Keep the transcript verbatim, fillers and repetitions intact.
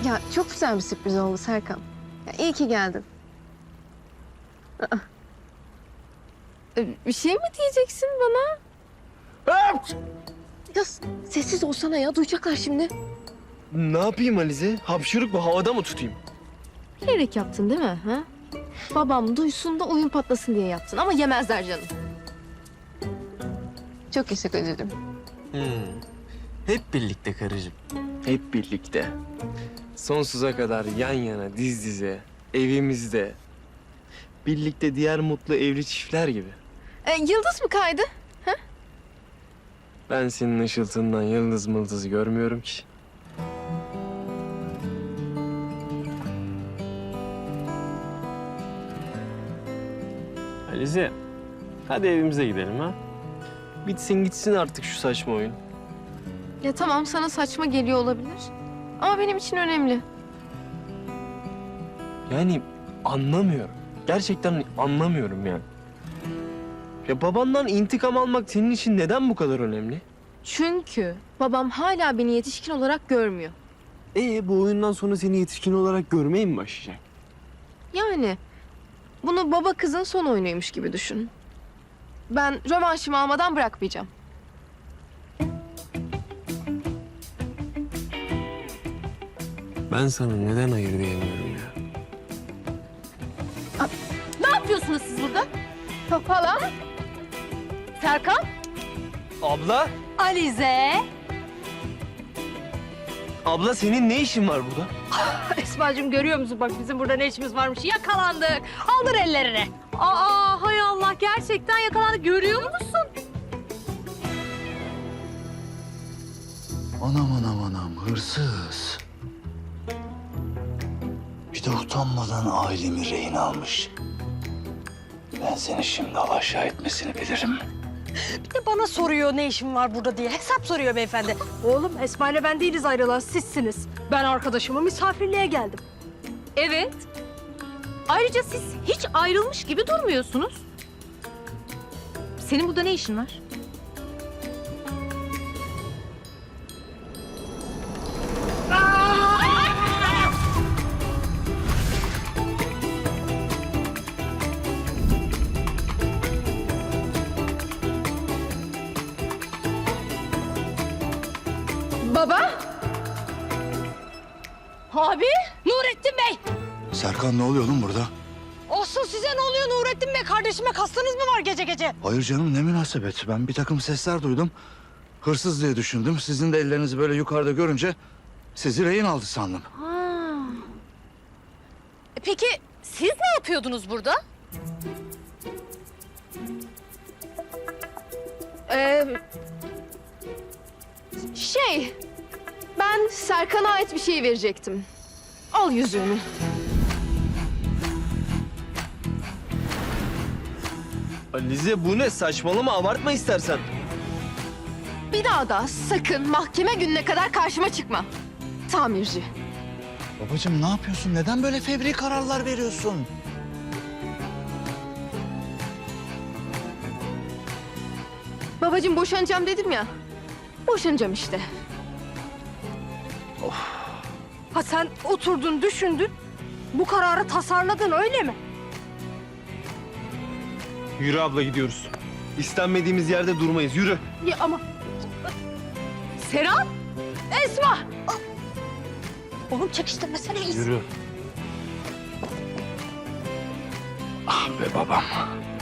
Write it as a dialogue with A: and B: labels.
A: Ya çok güzel bir sürpriz oldu Serkan. Ya, iyi ki geldin. Aa. Ee, Bir şey mi diyeceksin bana? Ya sessiz olsana ya, duyacaklar şimdi.
B: Ne yapayım Alize? Hapşırık bu, havada mı tutayım?
A: Bilerek yaptın değil mi? Ha? Babam duysun da oyun patlasın diye yaptın ama yemezler canım. Çok yaşa kocacığım.
C: Hmm. Hep birlikte karıcığım.
B: Hep birlikte. Sonsuza kadar yan yana, diz dize, evimizde. Birlikte diğer mutlu evli çiftler gibi.
A: Ee, yıldız mı kaydı?
B: Ben senin ışıltından yıldız mıldız görmüyorum ki. Alize, hadi evimize gidelim ha. Bitsin gitsin artık şu saçma oyun.
A: Ya tamam, sana saçma geliyor olabilir. Ama benim için önemli.
B: Yani anlamıyorum. Gerçekten anlamıyorum yani. Ya babandan intikam almak senin için neden bu kadar önemli?
A: Çünkü babam hala beni yetişkin olarak görmüyor.
B: Ee bu oyundan sonra seni yetişkin olarak görmeye mi başlayacak?
A: Yani bunu baba kızın son oyunuymuş gibi düşün. Ben rövanşımı almadan bırakmayacağım.
B: Ben sana neden hayır diyemiyorum ya?
A: Ne yapıyorsunuz siz burada? Hala? Serkan?
B: Abla,
D: Alize.
B: abla senin ne işin var burada?
D: Esma'cığım görüyor musun? Bak bizim burada ne işimiz varmış. Yakalandık. Aldır ellerini. Aa hay Allah gerçekten yakalandık. Görüyor musun?
E: Anam anam anam hırsız. Bir de utanmadan ailemi rehin almış. Ben seni şimdi alaşağı etmesini bilirim.
D: Bir de bana soruyor ne işim var burada diye. Hesap soruyor beyefendi. Oğlum Esma ile ben değiliz ayrılan sizsiniz. Ben arkadaşımı misafirliğe geldim.
F: Evet. Ayrıca siz hiç ayrılmış gibi durmuyorsunuz. Senin burada ne işin var?
A: Baba?
D: Abi Nurettin Bey.
E: Serkan ne oluyor oğlum burada?
D: Olsun size ne oluyor Nurettin Bey? Kardeşime kastınız mı var gece gece?
E: Hayır canım ne münasebet. Ben bir takım sesler duydum. Hırsız diye düşündüm. Sizin de ellerinizi böyle yukarıda görünce sizi rehin aldı sandım.
F: Peki siz ne yapıyordunuz burada?
A: Ee, şey, ben Serkan'a ait bir şey verecektim. Al yüzüğünü.
B: Alize bu ne? Saçmalama, abartma istersen.
A: Bir daha da sakın mahkeme gününe kadar karşıma çıkma. Tamirci.
E: Babacığım ne yapıyorsun? Neden böyle fevri kararlar veriyorsun?
A: Babacığım boşanacağım dedim ya. Boşanacağım işte.
D: Ha sen oturdun düşündün. Bu kararı tasarladın öyle mi?
B: Yürü abla, gidiyoruz. İstenmediğimiz yerde durmayız, yürü.
D: Ya ama... Serap! Esma! Oğlum çekiştirmesene iyisin.
B: Yürü.
E: Ah be babam.